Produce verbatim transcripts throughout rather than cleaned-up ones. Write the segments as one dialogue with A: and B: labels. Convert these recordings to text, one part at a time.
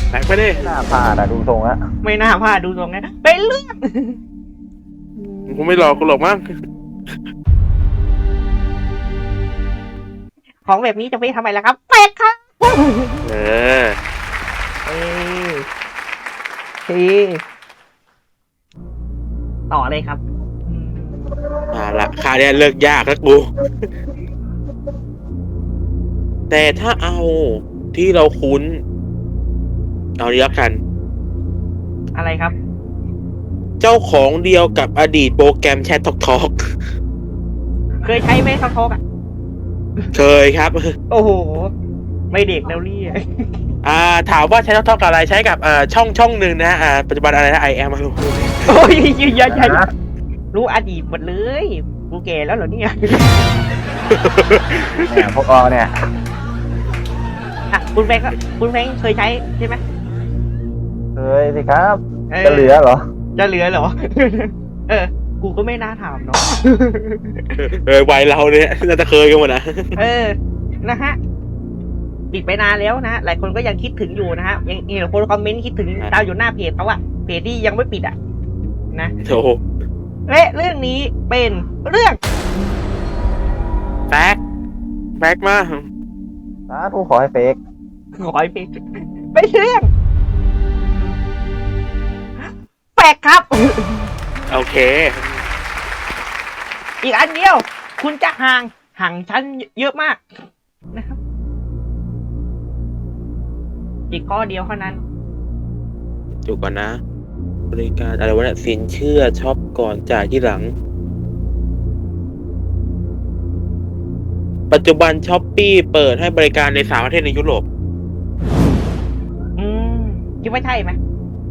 A: แบกไปดิ
B: ไม่น่าพลาดอะดูทรงอะ
C: ไม่น่าพลาดดูตรงนี้เป็นเรื่อง
A: กูไม่หลอกกูหรอกมั้ง
C: ของแบบนี้จะไปทำไมล่ะครับแปลกครับ
A: เออ
C: เออทีต่อเลยครับ
A: อ่าละคาเนี่ยเลิกยากแล้วกูแต่ถ้าเอาที่เราคุ้นเอาดีแล้วกัน
C: อะไรครับ
A: เจ้าของเดียวกับอดีตโปรแกรมแชททอกทอก
C: เคยใช้ไหมทอกทอกอ่ะ
A: เคยครับ
C: โอ้โหไม่เด็กแล้วรี่
A: อ่าถามว่าใช้ทอกทอกอะไรใช้กับเอ่อช่องช่องหนึ่งนะอ่าปัจจุบันอะไรนะไอแอมมารู้
C: โอ้ยยืนยันรู้อดีตหมดเลยกูแก่แล้วเหรอเนี่ย
B: เนี่ยพวกเราเนี่ย
C: อ่ะคุณแฟงคุณแฟงเคยใช้ใช่ไหม
B: เคยสิครับจะเหลือเหรอ
C: จะเหลือเหรอเออกูก็ไม่น่าถามเนาะ
A: เออวัยเราเนี่ยน่าจะเคยกันหมดนะ
C: เออนะฮะปิดไปนานแล้วนะหลายคนก็ยังคิดถึงอยู่นะฮะยังเห็นคนคอมเมนต์คิดถึงดาวอยู่หน้าเพจเขาอะเพจที่ยังไม่ปิดอะนะ
A: โอ้
C: และเรื่องนี้เป็นเรื่อง
A: แฟกแฟกมา
B: สาธุขอให้เฟก
C: ขอให้เฟกเป็นเรื่องแฟกครับ
A: โอเค
C: อีกอันเดียวคุณจะห่างห่างชั้นเยอะมากนะครับอีกข้อเดียวเท่านั้น
A: จุกก่อนนะบริการอะไรวะเนี่ยสินเชื่อช็อปก่อนจ่ายที่หลังปัจจุบันช้อปปี้เปิดให้บริการในสามประเทศในยุโรป
C: อืมคิดว่าใช่ไหม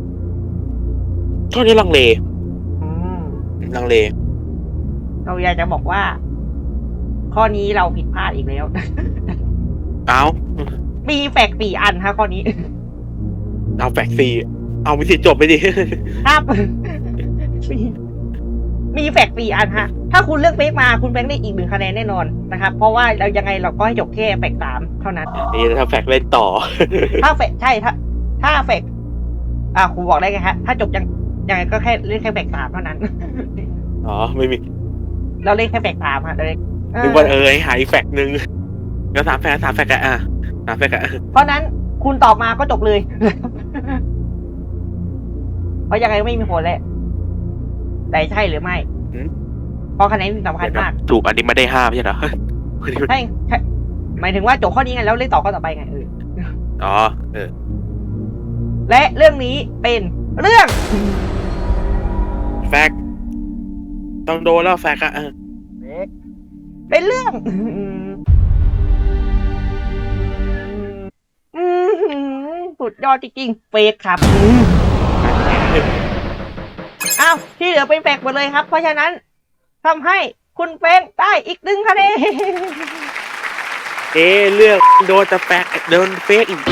A: ข้อนี้ลังเล
C: อืม
A: ลังเล
C: เราอยากจะบอกว่าข้อนี้เราผิดพลาดอีกแล้ว
A: เอา
C: มีแฟกสี่อันฮะข้อนี้
A: เอาแฟกสี่เอาไม่สิจบไปดิ
C: ครับมีมีแฟกสี่อันฮะถ้าคุณเลือกเฟกมาคุณแฟกได้อีกหนึ่งคะแนนแน่นอนนะครับเพราะว่าเรายังไงเราก็ให้จบแค่แฟกสามเท่านั้น
A: นี่ถ้าแฟกเล่นต่อ
C: ถ้าแฟกใช่ถ้าถ้าแฟกอ่าครูบอกได้ไงฮะถ้าจบยังยังไงก็แค่เล่นแค่แฟกสามเท่านั้น
A: อ๋อไม่มี
C: เราเล่นแค่แฟกสามฮะเลย
A: นึกว่าเออหายแฟกหนึ่งแล้วสามแฟกสามแฟกอ่ะสามแฟกอ่ะ
C: เพราะนั้นคุณตอบมาก็จบเลยเพราะยังไงไม่มีผลแหละแต่ใช่หรือไม่เพราะคะแนนสำคัญมาก
A: ถูกอันนี้ไม่ได้ห้าไม่ใช่เหรอ
C: ใช่ใช่หมายถึงว่าจบข้อนี้ไงแล้วเล่นต่อข้อต่อไปไงเออ
A: อ๋อเออ
C: และเรื่องนี้เป็นเรื่อง
A: แฟกต้องโดนแล้วแฟกอะ
C: เป็นเรื่องสุดยอดจริงๆเฟกครับอ้าวที่เหลือเป็นแฟกหมดเลยครับเพราะฉะนั้นทำให้คุณเฟงได้อีกหนึ่งคะแนน
A: เอ๊เรื่องโดนจะแฟกโดนเฟกอีก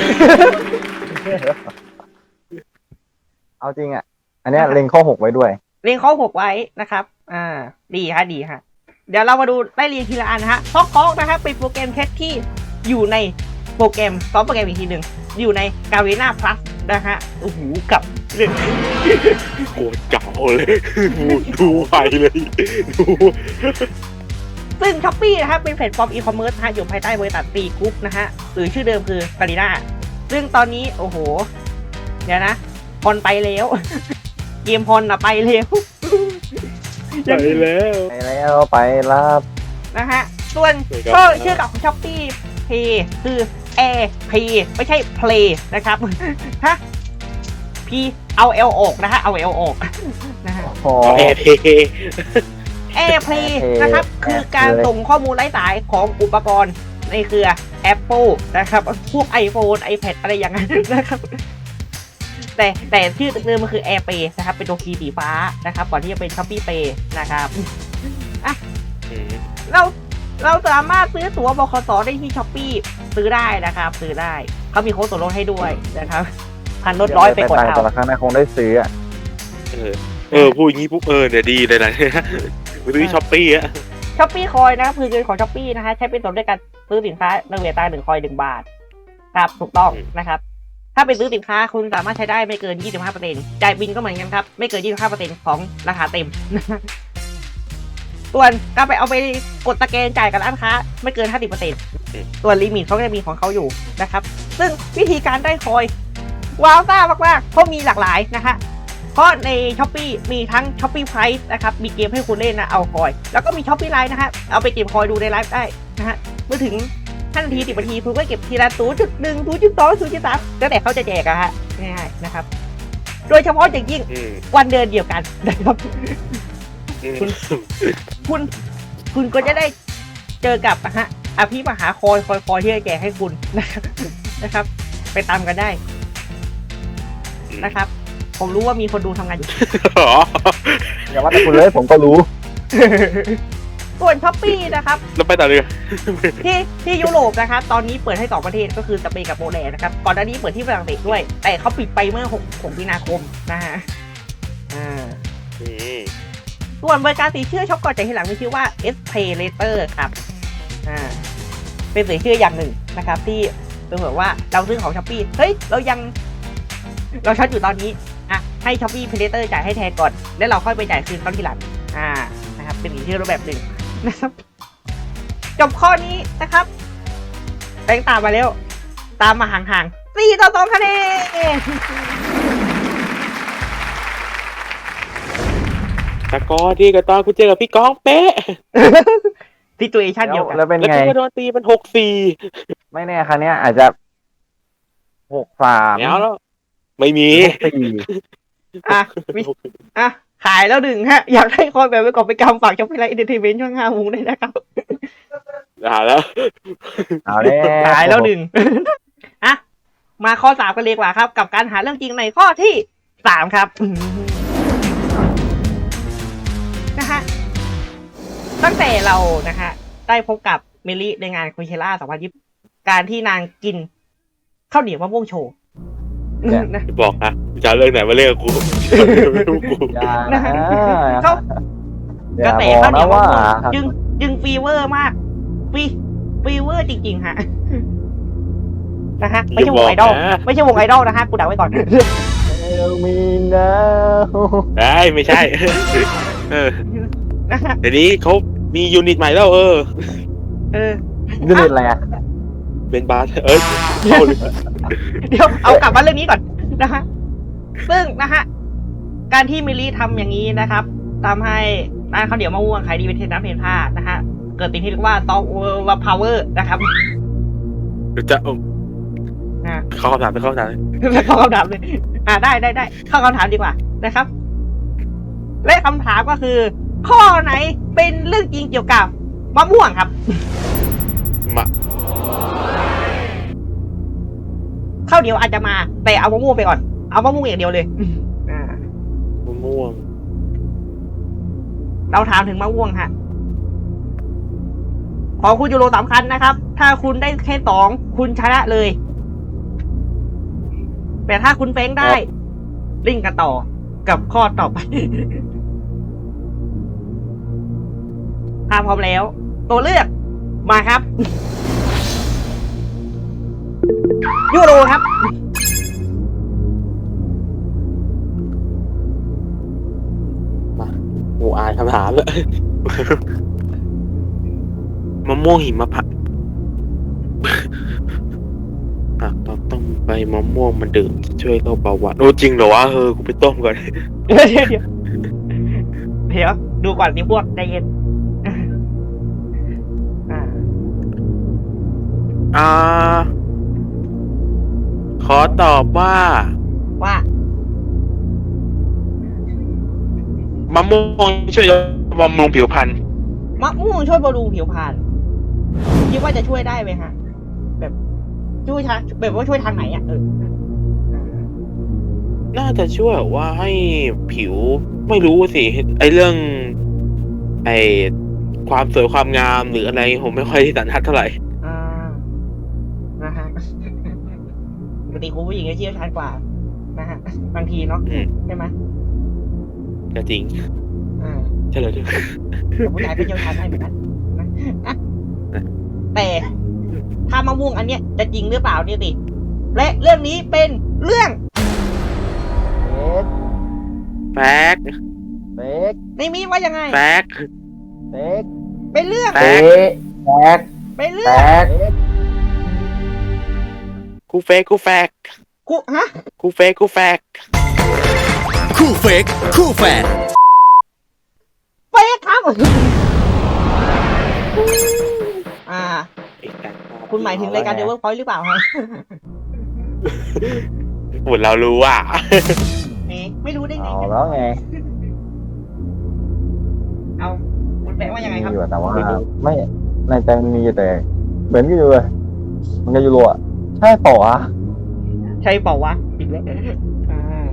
B: เอาจริงอ่ะอันนี้เล็งข้อหกไว้ด้วย
C: เล็งข้อหกไว้นะครับอ่าดีฮะดีฮะเดี๋ยวเรามาดูไล่เรียงทีละอันนะฮะท็อกท็อกนะครับเป็นโปรแกรมแคทที่อยู่ในโปรแกรมซ้อมโปรแกรมอีกทีหนึ่งอยู่ใน Garena Plus นะฮะโอ้โหกับเรื่อง
A: โคตรเก่าเลยดูไปเลยดู
C: ซึ่ง Shopee นะครับเป็นแพลตฟอร์มอีคอมเมิร์ซฮะอยู่ภายใต้บริษัท ตีกรุ๊ปนะฮะหรือชื่อเดิมคือ Garena ซึ่งตอนนี้โอ้โหเดี๋ยวนะพอนไปแล้วเกมพอนอะไปแล้ว
A: ไปแล้ว
B: ไปแล้วไปรับ
C: นะฮะส่วนก็ชื่อกับของ Shopee Pay คือ Air Pay ไม่ใช่ Play นะครับฮะ P เอา L ออกนะฮะเอา L ออกนะฮะ
A: Air Pay
C: Air Play นะครับคือการส่งข้อมูลไร้สายของอุปกรณ์ในเครือ Apple นะครับพวก iPhone iPad อะไรอย่างนั้นนะครับแต่แต่ชื่อเดิมมันคือ Air Pay นะครับเป็นตัวคีย์สีฟ้านะครับก่อนที่จะเป็น Shopee Pay นะครับอ่ะเราเราสามารถซื้อตั๋วบขสได้ที่ Shopee ซื้อได้นะครับซื้อได้เขามีโค้ดส่วนลดให้ด้วยนะครับพันลดร้อยไปกดเอา
B: แต่ละครั้งนะคงได้ซื้ออ่ะ
A: เออเออพูดอย่างนี้ปุ๊บเออเนี่ยดีเลยนะซื้อ Shopee อ่ะ
C: Shopee คอยนะครับคือเงินของ Shopee นะฮะใช้เป็นส่วนด้วยการซื้อสินค้าในเวลาหนึ่งคอยหนึ่งบาทครับถูกต้องนะครับถ้าไปซื้อสินค้าคุณสามารถใช้ได้ไม่เกิน ยี่สิบห้าเปอร์เซ็นต์ จ่ายบินก็เหมือนกันครับไม่เกิน ยี่สิบห้าเปอร์เซ็นต์ ของราคาเต็ม ส่วนการไปเอาไปกดสแกนจ่ายกับร้านค้าไม่เกิน ห้าสิบเปอร์เซ็นต์ ส่วนลิมิตเขาก็จะมีของเขาอยู่นะครับซึ่งวิธีการได้คอยว้าวซ่ามากๆเพราะมีหลากหลายนะฮะเพราะใน Shopee มีทั้ง Shopee Price นะครับมีเกมให้คุณเล่นนะเอาคอยแล้วก็มี Shopee Live นะฮะเอาไปเก็บคอยดูในไลฟ์ได้นะฮะเมื่อถึงห้านาทีสิบนาทีคุณก็เก็บทีละ ศูนย์จุดหนึ่ง ศูนย์จุดสอง ศูนย์จุดสาม แล้วแต่เขาจะแจกอะฮะง่ายๆนะครับโดยเฉพาะอย่างยิ่ง
A: อืม
C: วันเดือนเดียวกันนะครับ
A: อืม
C: คุณ คุณคุณก็จะได้เจอกับนะฮะอภิมหาคอยคอยคอยที่จะแจกให้คุณนะครับนะครับ ไปตามกันได้นะครับ ผมรู้ว่ามีคนดูทำงานอยู่
A: อ๋อ
B: อย่าว่าแต่คุณเลยผมก็รู้
C: ส่วนช้อปปี้นะครับ
A: แล้วไปต่อเลย
C: ที่ที่ยุโรปนะครับ ตอนนี้เปิดให้สองประเทศก็คือสเปนกับโปแลนด์นะครับ ก่อนหน้านี้เปิดที่ฝรั่งเศสด้วย แต่เขาปิดไปเมื่อหกมีนาคมนะฮะอ่า
A: อืม
C: ส่วนบริการสีเชื่อช็อปก่อนจ่ายทีหลังมีชื่อว่า S Pay Later ครับอ่าเป็นสีเชื่ออย่างหนึ่งนะครับ ที่เป็นแบบว่าเราซื้อของช้อปปี้เฮ้ยเรายัง เราช็อตอยู่ตอนนี้อ่ะให้ช้อปปี้ Pay Later จ่ายให้แทนก่อนแล้วเราค่อยไปจ่ายคืนตอนทีหลังอ่านะครับเป็นสีเชื่อรูปแบบหนึ่งนะครับจบข้อนี้นะครับแบงค์ตามมาแล้วตามมาห่างๆสี่ต่อสองคะแนน
A: ตะกอที่กับตอนกูเจอกับพี่ก้องเป๊ะ
C: ซิตูเอชั่นเดียวกัน
B: แล้วเป็น
A: แล้ว
B: ไง
A: กูโดนตีมันหกสี่
B: ไม่แน่ครั้งเนี้ยอาจจะหกสาม
A: แล้วแล้ว ไม่มี
B: สี่
C: อ่ะมีอ่ะขายแล้วหนึ่งฮะ อยากให้คอยแบบไว้ก่อนไปกำฝากช่องพิไลเอนเตอร์เทนเมนต์ช่องห้าโมงได้นะครับ
A: อ่าแล้ว
B: เอาแล้ว
C: ขายแล้วหนึ่ง อ่ะมาข้อสามกันเลยดีกว่าครับ กับการหาเรื่องจริงในข้อที่สามครับนะฮะตั้งแต่เรานะฮะได้พบกับเมลิในงานโคเชล่าสองพันยี่สิบการที่นางกินข้าวเหนียวมะม่วงโชว์นะ
A: บอกนะจะเอาเรื่องไหนมาเล่นกับกูไม่รู้กู
B: อย่า
C: นะ
B: นะ
C: ฮะ เขา
B: อก
C: ระ
B: ย่า
C: แส
B: บอก
C: ข้าวเหนี
B: นะ
C: ยวมะ
B: ว่า
C: ม่วงจึงจึงฟีเวอร์มากฟีฟีเวอร์จริงๆฮะนะฮะไม่ใช่วงไอดอลไม่ใช่วงไอดอลนะฮะกูด่าไว้ก่อน
B: มีนะ
A: ได้ไม่ใช่ เออ
C: นะฮะ
A: เดี๋ยวนี้เขามียูนิตใหม่แล้วเออ
C: เออ
B: ยูนิตอะไรอ่ะ
A: เป็นบาสเออเข้าเลย
C: เดี๋ยวเอากลับมาเรื่องนี้ก่อนนะฮะซึ่งนะฮะการที่มิลลี่ทำอย่างนี้นะครับทำให้ร้านข้าวเหนียวมะม่วงขายดีเป็นเทน้ำเทท่านะฮะเกิดสิ่งที่เรียกว่าซอฟต์แวร์พาวเวอร์นะครับ
A: เดี๋ยวจะเอา
C: นะ
A: เข้าคำถามไปเข้าคำถามเลย
C: เข้าคำถามเลยอ่าได้ได้ได้เข้าคำถามดีกว่านะครับ และคำถามก็คือ ข้อไหนเป็นเรื่องจริงเกี่ยวกับมะม่วงครับ
A: มา
C: ข้าวเหนียวอาจจะมาแต่เอามะม่วงไปก่อนเอามะม่วงอย่างเดียวเลยอ่าม
A: ะม่วง
C: เราถามถึงมะม่วงฮะของคุณยูโรสำคัญนะครับ ถ้าคุณได้แค่สองคุณชนะเลย แต่ถ้าคุณเฟ้งได้ลิงก์กันต่อกับข้อต่อไป ถ้าพร้อมแล้ว ตัวเลือกมาครับ ยูโรครับ
A: กูอ่านคำถามแล้ว มะม่วงหิมพานต์ อ่ะต้องต้มใบมะม่วงมันดื่มจะช่วยลดเบาหวานโอ้จริงเหรอวะเออกูไปต้มก่อน
C: เดี๋ยวเดี๋ยวเดี๋ยวเดี๋ยวดูก่อนนี่พวกใจเย็นอ่า
A: อ่า ขอตอบว่า
C: ว่า
A: มะม่วงช่วยบำรุงผิวพรรณ
C: มะม่วงช่วยบำรุงผิวพรรณคิดว่าจะช่วยได้ไหมฮะ แบบช่วยทางแบบว่าช่วยทางไหนอ่ะเออ
A: น่าจะช่วยแบบว่าให้ผิวไม่รู้สิไอเรื่อง ไอความสวยความงามหรืออะไรผมไม่ค่อยที่สันทัดเท่าไหร่
C: อ่านะฮะปกติคุณผู้หญิงจะเชี่ยวชาญกว่านะฮะบางทีเนาะ
A: อืม
C: ใช่ไหม
A: ก็จริง
C: อ่า
A: ใช่เลยด้วย
C: แต่ผู้ชายก็เชี่ยวชาญได้เหมือนกันนะอ่ะแต่ถ้ามะม่วงอันเนี้ยจะจริงหรือเปล่าเนี่ยสิและเรื่องนี้เป็นเรื่อง
B: เฟก
A: แฟก
B: เฟก
C: ในมีว่ายังไง
A: แฟก
B: เฟก
C: เป็นเรื่อง
A: แฟ
B: เฟ
A: ก
B: กแฟก
C: เป็น
B: แฟ
C: เรื่อง
B: ก
A: กูเฟกกูแฟก
C: กูฮะ
A: กูเฟกกูแฟก
D: คู่เฟกคู่แฝด
C: เฟกครับอ่า คุณหมายถึงรายการ The Workpoint หรือเปล่าครับ
A: หมดเรารู้อ่ะ
C: เอ๊ะไม่รู้ได้ไง
B: เอาแล้วไง
C: เอาคุณแปลว่ายังไงครับ
B: มีอยู่แต่ว่าไม่ในใจมันมีอยู่แต่เหมือนกันอยู่เลยมันก็ยูโรอ่ะใช่ต่ออ่ะ
C: ใช่เปล่าวะอีกแล้วอ่า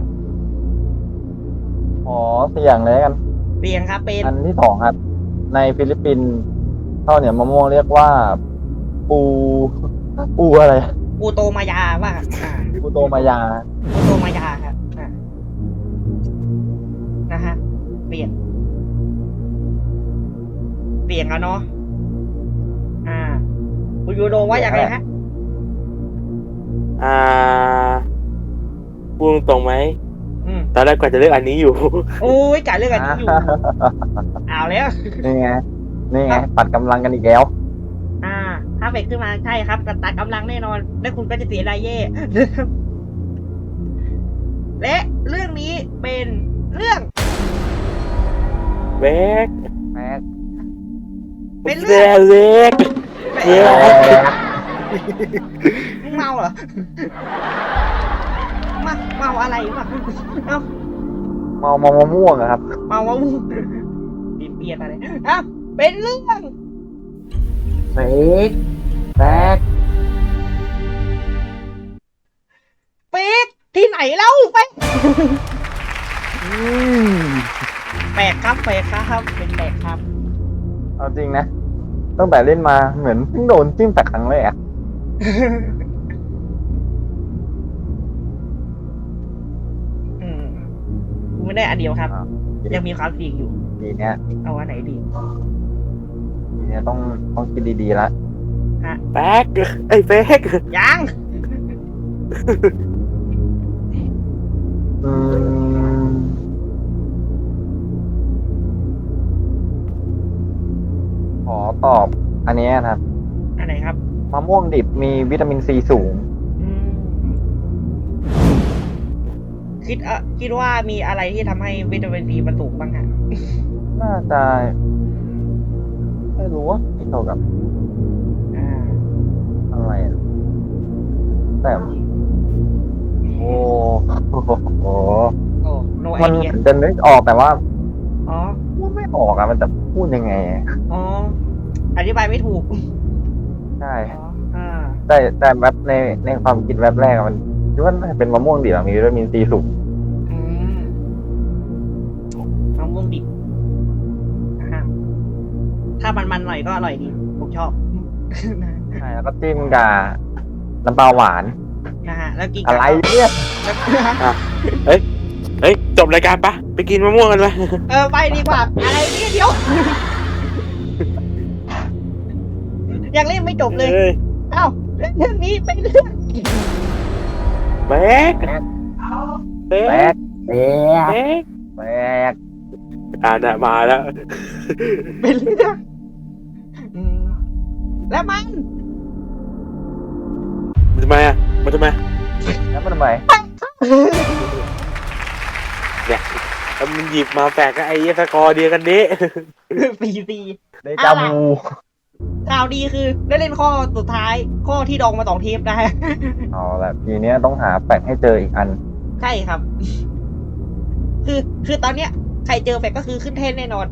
B: อ๋อสี่อย่างเลยกัน
C: เปลี่ยนครับเป็น
B: อันที่สองครับ ในฟิลิปปินส์ข้าวเหนียวมะม่วงเรียกว่า ปูปูอะไร
C: ปูโตมายาว่าอ่า
B: ปูโตมายา
C: ปูโตมายาครับอ่านะฮะเปลี่ยน เปลี่ยนแล้วเนาะอ่าคุณยูโดว่าอย่างไรฮะ
A: อ่าพูดตรงไหม
C: อืม
A: ตอนแรกกว่าจะเลือกอันนี้อยู่
C: โอ้ยจ่ายเรื่องอันนี้อยู่เอาแล้ว
B: นี่ไงนี่ไงปัดกำลังกันอีกแล้ว
C: อ่า ถ้าเฟกขึ้นมาใช่ครับตัดกำลังแน่นอน และคุณก็จะเสียรายเย่ และเรื่องนี้เป็นเรื่อง
A: เวก
B: แม็ก
C: เป็น
A: เว
C: เรื่อง
A: เวกเวก
C: มึงเมาเหรอ มาเมาอะไรวะเอ้า
B: เมามามะม่วงอะครับ
C: เมาวะมึงปีนเปียนอะไรอ่ะเป็นเรื่อง
B: เฟกแฟก
C: เฟกที่ไหนเล่าเฟก
B: อืม
C: แปลกครับแปลกครับ เป็นแปลกครับ
B: เอาจริงนะตั้งแต่เล่นมาเหมือนเพิ่งโดนจิ้มแต่ครั้งแรก
C: อืมไม่ได้อันเดียวครับ
B: อ่า
C: ยังมีความเสี่ยงอยู่
B: ทีเนี้ย
C: เอาอันไหนดี
B: ทีเนี้ยต้องต้องคิดดีๆละ
A: แฟกไอ้ยเฟก
C: ยัง
B: อืมขอตอบอันเนี้ยครับ
C: อันไหนครับ
B: มะม่วงดิบมีวิตามินซีสูง
C: อืมคิดเออคิดว่ามีอะไรที่ทำให้วิตามินซีมันสูงบ้างฮะ
B: น่าจะไม่รู้ว่าเกี่ยวกับ
C: อ่า
B: อะไรอะแต่โอ้โห
C: โอ้โนไอ
B: มัน
C: เดีย
B: จะนึกออกแต่ว่า
C: อ๋อ
B: พูดไม่ออกอะมันจะพูดยังไงอะ
C: อ๋อ อธิบายไม่ถูก
B: ใช่
C: อ๋อ อ่า
B: แต่แต่แบบในในความคิดแวบแรกอะมันคิดว่าน่าจะเป็นมะม่วงดิบอะมีวิตามินซีสูง
C: อืมมะม่วงดิบอ่าถ้ามันๆหน่อยก็อร่อยดี ผมชอบ
B: ใช่แล้วก็จิ้มกับน้ำปลาหวาน
C: นะฮะ แล้วกิน
B: อะไรเนี่ย
C: แล้ว
A: เฮ้ยจบรายการปะไปกินมะม่วงกันปะ
C: เออ ไปดีกว่า อะไรเนี่ยเดี๋ยว ยังเล่นไม่จบเลย
A: อ้
C: เอ้าเรื่องนี้เป็นเรื่อง
A: แฟกเฟ
B: แปล
A: ก
B: กแปลก
A: เฟก
B: แปลก
A: อ่านะมาแล้ว
C: เป็นเรื่องอืมแล้วมัน
A: มันทำไมอ่ะมันทำไม
B: แล้วมันทำไม
A: เนี่ยแล้วมันหยิบมาแฝกกับไอ้เหี้ยสกอร์เดียวกันนี้
C: ปีซี
B: เดจาวู
C: ข่าวดีคือได้เล่นข้อสุดท้าย ข้อที่ดองมาสองเทปนะฮะ
B: เอาละทีเนี้ยต้องหาแปลกให้เจออีกอัน
C: ใช่ครับ คือคือตอนเนี้ย ใครเจอแฟกก็คือขึ้นเทนแน่นอน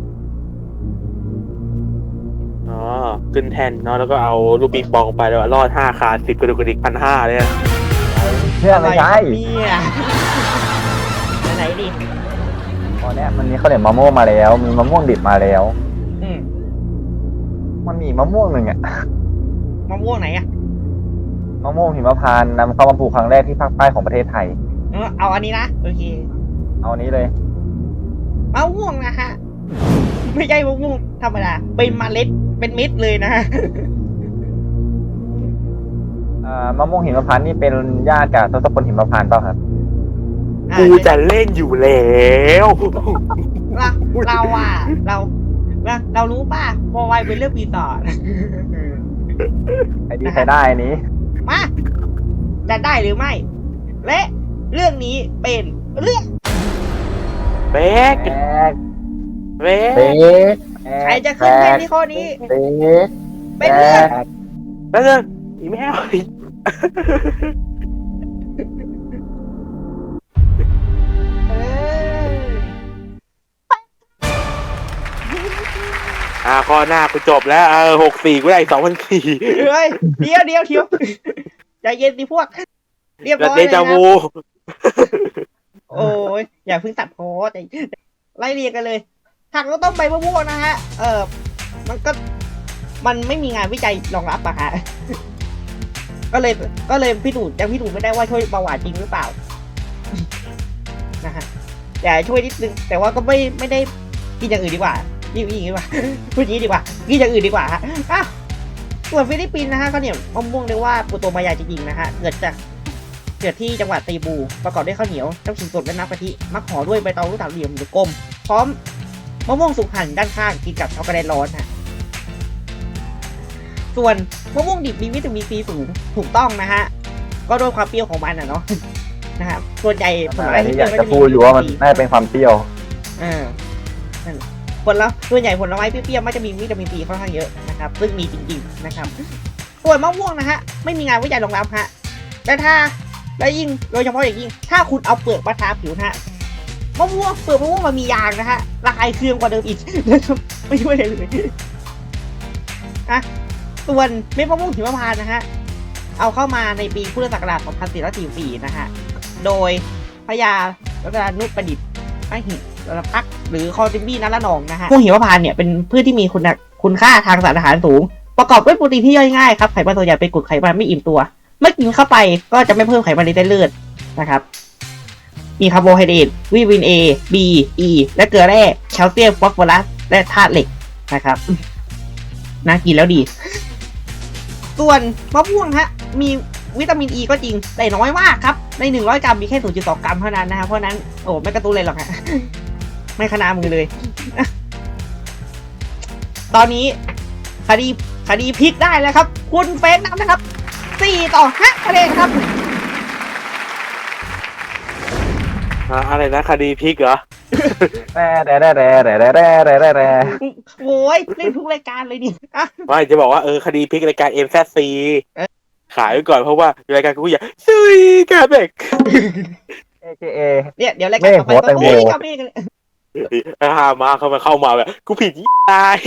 A: อ๋อขึ้นแทนเนาะแล้วก็เอาลูกปิงปองไปแล้วรอดห้าขาดสิบกระดูกกระดิกพันห้าเลยอะ
B: เชื่อไม่ใช่
C: เนี่ยไหนดิ
B: ตอนเนี้ยมันมีข้าวเหนียวมะม่วงมาแล้ว มีมะม่วงดิบมาแล้ว
C: อืม
B: มันมีมะม่วงหนึ่งอะ
C: มะม่วงไหนอะ
B: มะม่วงหิมพานต์นำเข้ามาปลูกครั้งแรกที่ภาคใต้ของประเทศไทย
C: เออเอาอันนี้นะ โอเค
B: เอาอันนี้เลย
C: มะม่วงนะฮะ ไม่ใช่มะม่วงธรรมดา เป็นเมล็ด เป็นเม็ดเลยนะฮะ
B: ออ่ามะม่วงหิมพานต์นี่เป็นญาติกับทศพลหิมพานต์เปล่าครับ
C: อ่า
A: กูจะเล่นอยู่แล้ว
C: เราเราอ่ะเราเราเรารู้ป่ะโมไวเป็นเรื่องปีศาจ
B: ไอ้นี่ใช้ได้อันนี้
C: มาจะได้หรือไม่ และเรื่องนี้เป็นเรื่อง
A: เบ๊ก
B: แบก
A: เบ๊
B: เบ
A: ก
B: ก
C: ใครจะขึ้นเป็นที่ข้อนี้
B: เบก
C: เป็นเรื่อง
A: แล้วเรื่องอีแมว
C: เออ
A: อ่าข้อหน้ากูจบแล้วเออหกสี่กูได้สองพันสี่
C: เฮ้ยเดี๋ยวเดี๋ยวเดี๋ยวใจเย็นดิพวก เรียบ
A: แล้ว
C: ร้อย
A: เด
C: เลย
A: จา
C: นะ
A: วู
C: โอ้ยอย่าเพิ่งตัดโพสใจไล่เรียงกันเลยถักก็ต้องใบมะม่วงนะฮะ เออมันก็มันไม่มีงานวิจัยรองรับอะฮะ ก็เลยก็เลยพี่ดูยังพี่ดูไม่ได้ว่าช่วยเบาหวานจริงหรือเปล่า นะฮะอย่าช่วยนิดนึงแต่ว่าก็ไม่ไม่ได้กินอย่างอื่นดีกว่ายิ่งยิ่งดีกว่า พูดอย่างนี้ดีกว่ากินอย่างอื่นดีกว่าฮะอ่ะส่วนฟิลิปปินส์นะฮะเขาเนี่ยมะม่วงเรียกว่าปูโตมายาจริงๆนะฮะเกิดจากเกิดที่จังหวัดตีบูประกอบด้วยข้าวเหนียวน้ำขิงสดและน้ำกะทิมักห่อด้วยใบตองลูกเต๋าเหลี่ยมหรือกลมพร้อมมะม่วงสุกหั่นด้านข้างกินกับช็อกโกแลตร้อนฮะส่วนมะม่วงดิบมีวิตามินซีสูงถูกต้องนะฮะก็ด้วยความเปรี้ยวของมันอ่ะเนาะ นะครับส่วนใหญ่ผล
B: อั
C: ไม้
B: นนี้
C: ที่
B: อยาก
C: เปรี้
B: จะ
C: ยว
B: พูดอยู่ว่ามันน่าจะเป็นความเปรี้ยว
C: อ่านั่นผลแล้วส่วนใหญ่ผลไม้เปรี้ยวๆมันจะมีวิตามินซีค่อนข้างเยอะนะครับซึ่งมีจริงๆนะครับส่วนมะม่วงนะฮะไม่มีงานวิจัยรองรับฮะแต่ถ้าและยิ่งโดยเฉพาะอย่างยิ่งถ้าคุณเอาเปลือกมาทาผิวนะฮะมะม่วงเปลือกมะม่วงมันมียางนะฮะระคายเคืองกว่าเดิมอีกนะครับไม่ช่วยเลยเลยอ่ะส่วนเม็ดมะม่วงหิมพานต์นะฮะเอาเข้ามาในปีพุทธศักราชสองพันสี่ร้อยสี่สิบสี่นะฮะโดยพญารัตนานุประดิษฐ์ไอหิรพักหรือคอติมบี้นัละนองนะฮะพวกหิมพานต์เนี่ยเป็นพืชที่มีคุณคุณค่าทางสารอาหารสูงประกอบด้วยโปรตีนที่ย่อยง่ายครับไขมันส่วนใหญ่เป็นกรดไขมันไม่อิ่มตัวเมื่อกินเข้าไปก็จะไม่เพิ่มไขมันในเส้นเลือดนะครับมีคาร์โบไฮเดรตวิตามิน A B E และเกลือแร่แคลเซียมฟอสฟอรัสและธาตุเหล็กนะครับน่ากินแล้วดี ส่วนมะม่วงฮะมีวิตามิน E ก็จริงแต่น้อยมากครับในหนึ่งร้อยกรัมมีแค่ ศูนย์จุดสอง กรัมเท่านั้นนะครับเพราะนั้นโอ้ไม่กระตุ้นเลยหรอกฮะ ไม่ขนามือเลย ตอนนี้คดีคดีพลิกได้แล้วครับคุณเฟซนำนะครับสี่ต่อห้าคะแนนครับ
A: อ่าอะไรนะคดีพลิกเหรอ
B: แต่แต่แต่แต่แต่แต่แต่แต่แต่
C: โอ้ยเล่นทุกรายการเลยนี่อ่ะ
A: ไม่จะบอกว่าเออคดีพลิกรายการ เอ็ม แซด ซี
C: เอ๊ะ
A: ขายไว้ก่อนเพราะว่ารายการกูอยากซุยกาเบก
B: เอเคเอ
C: เนี่ยเดี๋ยวรายการต่อไป
B: เมฆหัว
C: ก็
B: แตงโม
C: โอ้ยกับเมฆกันเลย
A: อ่ามาเข้ามาเข้ามาแบบกูผิดยี่ตาย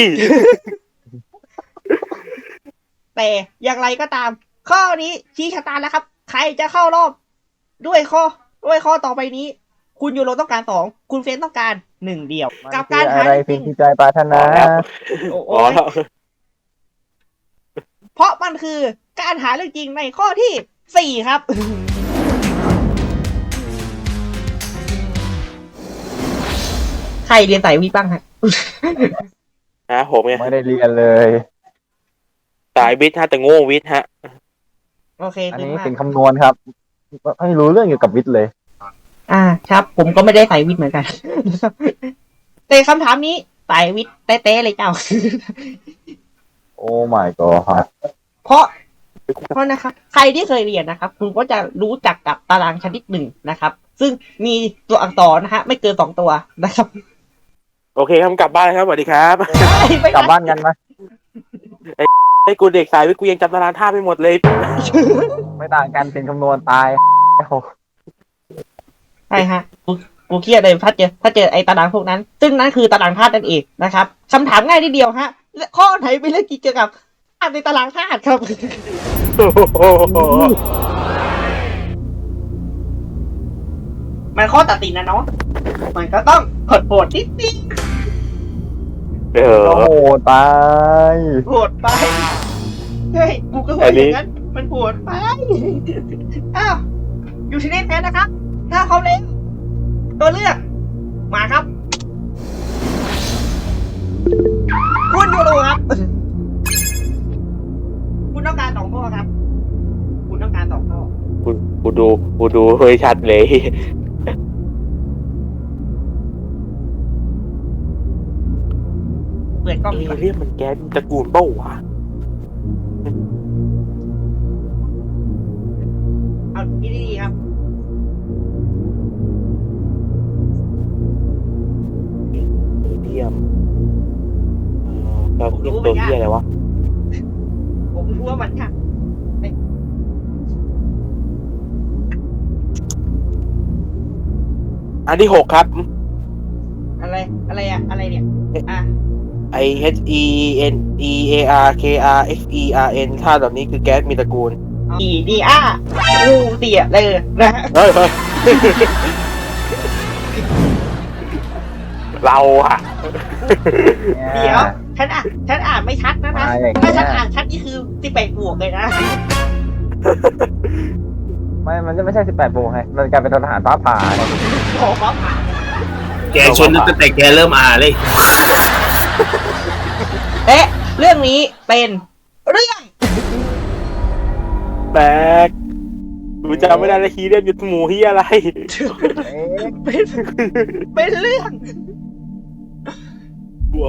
C: แต่อย่างไรก็ตาม ข้อนี้ชี้ชะตาแล้วครับ ใครจะเข้ารอบ ด้วยข้อด้วยข้อต่อไปนี้ คุณยูโรต้องการสองคุณเฟนต้องการหนึ่งเดียว กับการหา
B: อะไร
C: จ
B: สิ่
C: ริ
B: ง
C: ง
B: ที่ใจปรารถนา
C: โอ้โห
A: อ๋อแล้ว
C: เพราะมันคือการหาเรื่องจริงในข้อที่สี่ครับ ใครเรียนสายวิทย์บ้างฮะ
A: นะผมไง
B: ไม่ได้เรียนเลย
A: สายวิทย์ฮะแต่โง่วิทย์ฮะ
C: โอเค
B: อัน
C: ดี
B: นี้
C: มาก
B: สิ่งคำนวณครับไม่รู้เรื่องเกี่ยวกับวิทย์เลย
C: อ่าครับ ผมก็ไม่ได้สายวิทย์เหมือนกัน แต่คำถามนี้สายวิทย์เต๊ะๆเลยเจ้า
B: โอ้ my god
C: เพราะเพราะนะครับใครที่เคยเรียนนะครับ คุณก็จะรู้จักกับตารางชนิดหนึ่งนะครับ ซึ่งมีตัวอักษรนะฮะไม่เกินสองตัวนะครับ
A: โอเคครับกลับบ้านครับสวัสดีครับ
C: ไม่
B: กลับบ้านกันไหม
A: ไอ้กูเด็กสายวิทย์กูยังจำตารางท่าไม่หมดเลย
B: ไม่ต่างกันสิ่งคำนวณตาย
C: ใช่ฮะกูกูเครียดเลยถ้าเจอถ้าเจอไอ้ตารางพวกนั้น ซึ่งนั่นคือตารางธาตุนั่นเองนะครับคำถามง่ายนิดเดียวฮะข้อไหนเป็นเรื่องเกี่ยวกับธาตุในตารางธาตุครับ มันข้อตัดสินนะเนาะมันก็ต้องกดโหดนิดนิด
A: เออ
B: โอ้โหตาย
C: โหดไปเฮ้ยกูก็ว่าอย่างนั้นมันโหดไปอ้าวอยู่ที่เล่นแพ้นะครับ ถ้าเขาเล่นตัวเลือกมาครับ คุณยูโรครับ คุณต้องการสองข้อครับ คุณ
A: ดูกูดูเฮ้ยชัดเลย
C: เปิดกล้องดี
A: เอก
C: ว่า
A: เรียมมันแก๊สตระกูลเป้าวะ
C: เอาดีๆครับ
A: เรียมเอ่อเราเรียกตัวเรียอะไรวะ
C: ผมรู้ว่ามันค่ะ
A: อันที่หกครับ
C: อะไรอะไรอะอะไรเนี่ยอ่ะ
A: I H E N E A R K R X E R N ถ้าแบบนี้คือแก๊สมีตระกูล
C: ดีดีอ่ะงูเตี่ยเลยนะฮะ
A: เฮ้ยเฮ้ย เราอะ
C: เดี๋ยวฉันอ่านฉันอ่านไม่ชัดนะนะ
B: มาอย่างเงี้ย
C: ถ้าฉันอ่านชัดนี่คือสิบแปดบวกเลยนะ
B: ไม่มันจะไม่ใช่สิบแปดโมงไงมันกลายเป็นทหารฟ้าผ่าไง
C: ขอฟ้าผ่า
E: แกชนตั้งแต่แกเริ่มอ่านเลย
C: และเรื่องนี้เป็นเรื่อง
A: แบกกูจำไม่ได้ละคีเรียมยุทธหมูที่อะไร
B: เอ๊ะ
C: เป็นเป็นเรื่อง
A: บัว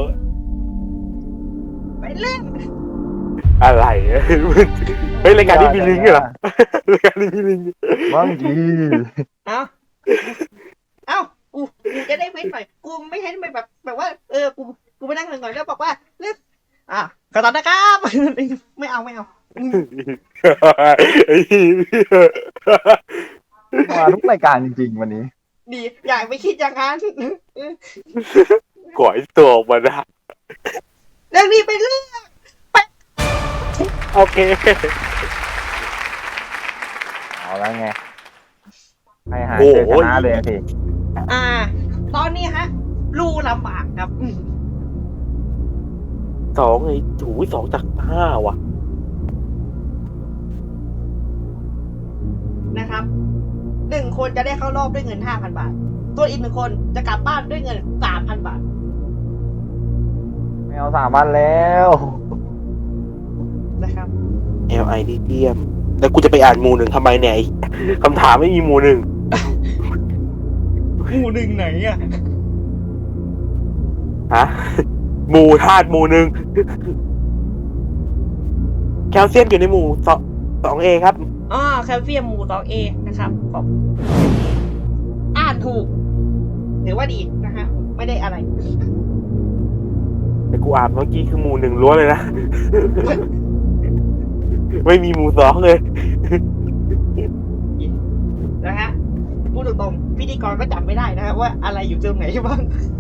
C: เป็นเรื่อง
A: อะไรเฮ้ยรายการที่มีลิงก์เหรอรายการที่มีลิงก์
B: บางที
C: เอ้าเอ้ากูกูจะได้เว้นหน่อยกูไม่ให้มันแบบแบบว่าเออกูกูไปนั่งหน่อยๆแล้วบอกว่าเรื่องอ่ะขอตอนนะครับ ไม่เอาไม่เอา
B: มาทุกรายการจริงๆวันนี้
C: ดีอยากไปคิดอย่างนั้น
A: ก่อยตัวออกมาได้
C: เรื่องนี้เป็นเรื่อง
A: โอเค
B: เอาแล้วไงให้หาเจอชนะเลยสิ
C: อ่า ตอนนี้ฮะรูลำบากครับอืม
A: สองไอ้ถูสองจากห้าว่ะ
C: นะครับหนึ่งคนจะได้เข้ารอบด้วยเงินห้าพันบาทส่วนอีกหนึ่งคนจะกลับบ้านด้วยเงินสามพันบาท
B: ไม่เอาสามวันแล้ว
C: นะครับ
A: L I D เทียมแล้วกูจะไปอ่านหมู่หนึ่งทำไมเนี่ยไอ้คำถามไม่มีหมู่หนึ่ง
C: หมู่หนึ่งไหนอ่ะ
A: ฮะหมู่ธาตุหมู่หนึ่งแคลเซียมอยู่ในหมู่สองสองเอครับ
C: อ๋อแคลเซียมหมู่สองเอนะครับขอบอ่านถูกถือว่าดีนะฮะไม่ได้อะไร
A: แต่กูอ่านเมื่อกี้คือหมู่หนึ่งล้วนเลยนะ ไม่มีหมู่สองเลย
C: นะฮะพูดตรงๆพิธีกรก็จำไม่ได้นะฮะว่าอะไรอยู่ตรงไหนบ้าง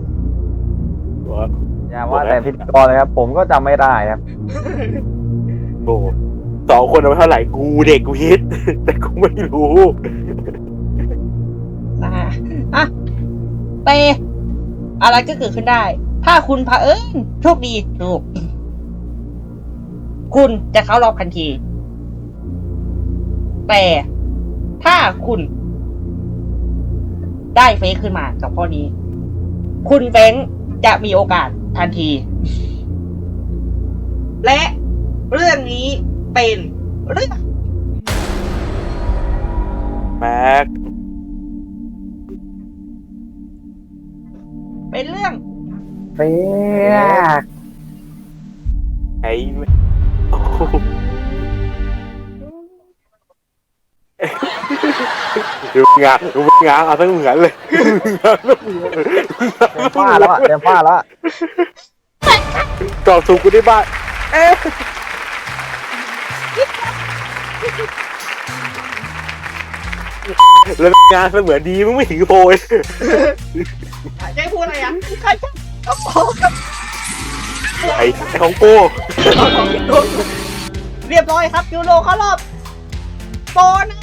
B: อย่าว่าแต่พิธีกรเลยครับ ผมก็จำไม่ได้ครับ
A: โอ้สองคนเอาไปเท่าไหร่กูเด็กกูฮิต แต่กูไม่รู้
C: นะฮะอ่ะแต่อะไรก็เกิดขึ้นได้ ถ้าคุณเผอิญโชคดีถูกคุณจะเข้ารอบทันที แต่ถ้าคุณได้เฟซขึ้นมากับข้อนี้ คุณเฟ้งจะมีโอกาสทันที และเรื่องนี้เป็นเรื่อง
A: แม็ก
C: เป็นเรื่อง
B: เฟียก
A: ไอ้โอ้โหดูงานดูงานเอาทั้งเหมือนเลย
B: เต็มฟ้าแล้วอะเต็มฟ้าแล้วอะ
A: กรอบสูงกูได้บ้านเอ๊ะแล้วงานเสมือนดีมึงไม่ถึงโพย
C: จะให้พูดอะไรอ่ะใครจะก็โป๊กับ
A: ไอ้ไอ้ของโก้
C: เรียบร้อยครับยูโรเข้ารอบโปนะ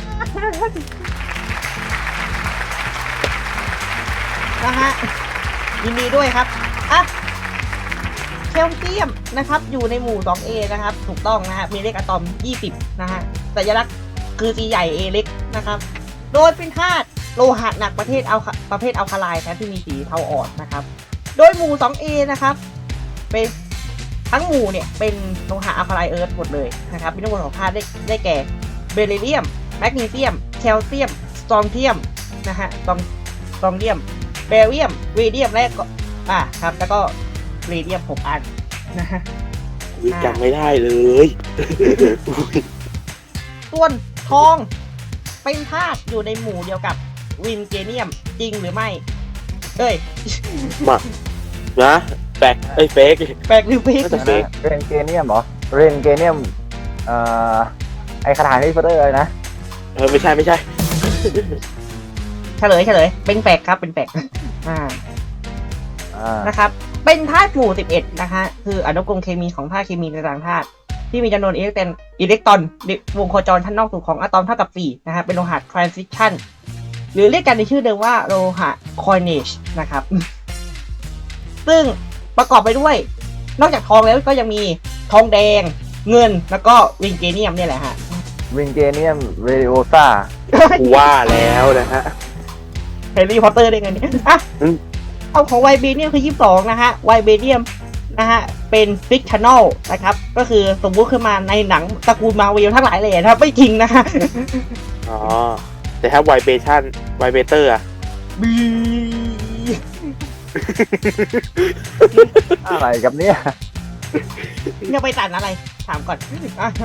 C: นะฮะยินดีด้วยครับอ่ะเคลเซียมนะครับอยู่ในหมู่ สองเอ นะครับถูกต้องนะฮะมีเลขอะตอมยี่สิบนะฮะสัญลักษณ์คือ C ใหญ่ A เล็กนะครับโดยเป็นธาตุโลหะหนักประเภทเอาประเภทอัลคาไลน์นะที่มีสีเทาอ่อนนะครับโดยหมู่ สองเอ นะครับเป็นทั้งหมู่เนี่ยเป็นโลหะอัลคาไลน์เอิร์ธหมดเลยนะครับมีทั้งหมดของธาตุได้ได้แก่เบริเลียมแมกนีเซียมแคลเซียมสตรองเทียมนะฮะสตรองสตรองเทียมเบเรียมวีเดียมและก็อ่าครับแล้วก็เรเดียมหกอันนะฮะ
A: อุ๊ยจำไม่ได้เลย
C: ส่วนทองเป็นธาตุอยู่ในหมู่เดียวกับวินเกเนียมจริงหรือไม่ เอ้ย
A: มานะแปลกไอ้ยเฟก
C: แปลกหรือเฟก
A: น่าจะเฟก
B: เรนเกเนียมเหรอเรนเกเนียมเอ่อไอคาถาที่พอตเตอร์เลยนะ
A: เออไม่ใช่ไม่ใช่
C: เฉลยเฉลยเป็นแปลกครับเป็นแปลก อ่า
B: อ่า
C: นะครับ เป็นธาตุหมู่สิบเอ็ดนะคะ คืออนุกรมเคมีของธาตุเคมีในต่างธาตุที่มีจำนวนอิเล็กตรอนอิเล็กตรอนในวงโคจรชั้นนอกสุดของอะตอมเท่ากับสี่นะฮะเป็นโลหะ transition หรือเรียกกันในชื่อเดิมว่าโลหะ coinage นะครับ ซึ่งประกอบไปด้วย นอกจากทองแล้วก็ยังมีทองแดงเงินแล้วก็วินเกเนียมเนี่ยแหละฮะ
B: วินเกเนียมเรดิโอซ่า
A: กูว่าแล้วนะฮะ
C: แฮร์รี่พอตเตอร์ได้ไงเนี่ยอ่ะ
A: อืม
C: เอาของไวเบเนียมคือยี่สิบสองนะฮะไวเบเนียมนะฮะเป็นฟิกชันแนลนะครับก็คือสมมุติขึ้นมาในหนังตระกูลมาเวลทั้งหลายเลยนะครับไม่จริงนะฮะ
A: อ๋อแต่ถ้าไวเบชั่นไวเบเตอร์อะ
C: บี
B: อะไรกับเนี่ย
C: จะไปตัดอะไร ถามก่อนอ่า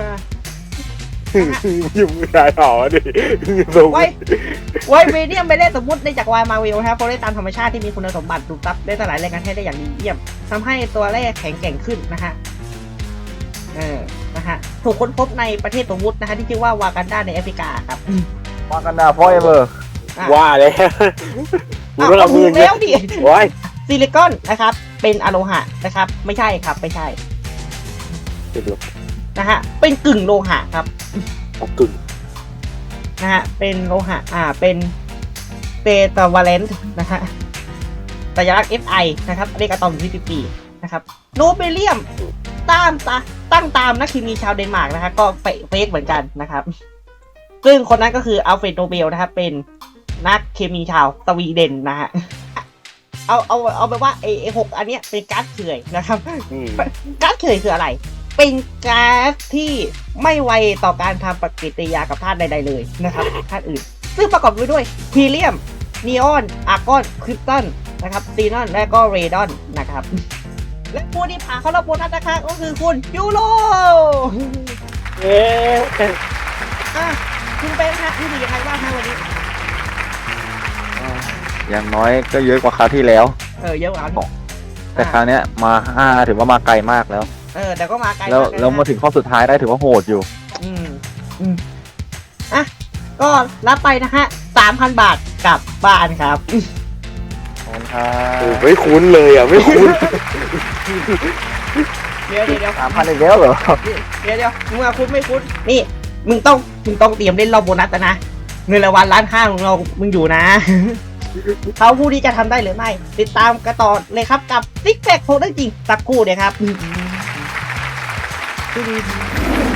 A: ยุ่งไม่ได้หรอดิ
C: ไวไวเบเนียมไม่ได้สมมติในจักรวาลมาเวลนะครับเพราะได้ตามธรรมชาติที่มีคุณสมบัติดูดซับได้สลายแรงงานให้ได้อย่างดีเยี่ยมทำให้ตัวแร่แข็งแกร่งขึ้นนะฮะเออนะฮะถูกค้นพบในประเทศสมมุตินะฮะที่ชื่อว่าวากันดาในแอฟริกาครับ
B: มากันดาฟอร์เอเวอร์
C: อ่ะ
A: ว่าแล้วกู
C: อ้าว
A: ต้องเอา
C: ถู
A: มือก เนี่ย
C: แล้วดิ
A: โอ้ย
C: ซิลิคอนนะครับ เป็นอะโลหะนะครับ ไม่ใช่ครับไม่ใช่
A: ติดลบ
C: นะฮะเป็นกึ่งโลหะครับ
A: เอากึ่ง
C: นะฮะเป็นโลหะอ่าเป็นเตตาวาเลนต์นะฮะสัญลักษณ์ เอฟ ไอ นะครับเรียกอะตอมที่สิบสี่นะครับโนเบเลียมตามตาตั้งตามนักเคมีชาวเดนมาร์กนะฮะก็เฟกเหมือนกันนะครับ ซึ่งคนนั้นก็คืออัลเฟรดโนเบลนะครับเป็นนักเคมีชาวสวีเดนนะฮะเอาเอาเอาไปว่าไอไอหกอันเนี้ยเป็นก๊าซเฉื่อยนะครับ
A: อืม
C: ก๊าซเฉื่อยคืออะไร เป็นก๊าซที่ไม่ไวต่อการทำปฏิกิริยากับธาตุใดๆเลยนะครับธาตุอื่น ซึ่งประกอบไปด้วยฮีเลียม นีออน อาร์กอน คริปตัน นะครับซีนอน และก็เรดอน นะครับ และผู้ที่ผ่านเข้ารอบโบนัสนะคะก็คือคุณยูโร
A: เอ๊ะ
C: อ่ะคุณเป็นฮะที่ดียังไงบ้างฮะวันนี้
B: อย่างน้อยก็เยอะกว่าคราวที่แล้ว
C: เออเยอะกว่าที่
B: แต่คราวเนี้ยมาห้าถือว่ามาไกลมากแล้ว
C: เออแต่ก็มาไกล
B: แล้ว
C: มากเยนะ
B: แล้วมาถึงข้อสุดท้ายได้ถือว่าโหดอยู่
C: อืมอืมอ่ะก็รับไปนะฮะสามพันบาทกลับบ้านครับ
B: ขอบคุณครั
A: โอ้
B: บ
A: ไม่คุ้นเลยอ่ะไม่คุ้น
C: เดี๋ยวเดี๋ยวเดี๋ยว
B: สามพันอีกแล้วเหรอ
C: เดี๋ยวเดี๋ยวมึงมาคุ้นไม่คุ้นนี่ มึงต้องมึงต้องเตรียมเล่นรอบโบนัสแล้วนะเงินรางวัลล้านห้าของเรามึงอยู่นะ เขาผู้ที่จะทำได้หรือไม่ ติดตามกันต่อเลยครับกับซิกแพคโคตรจริงสักครู่เดียวครับ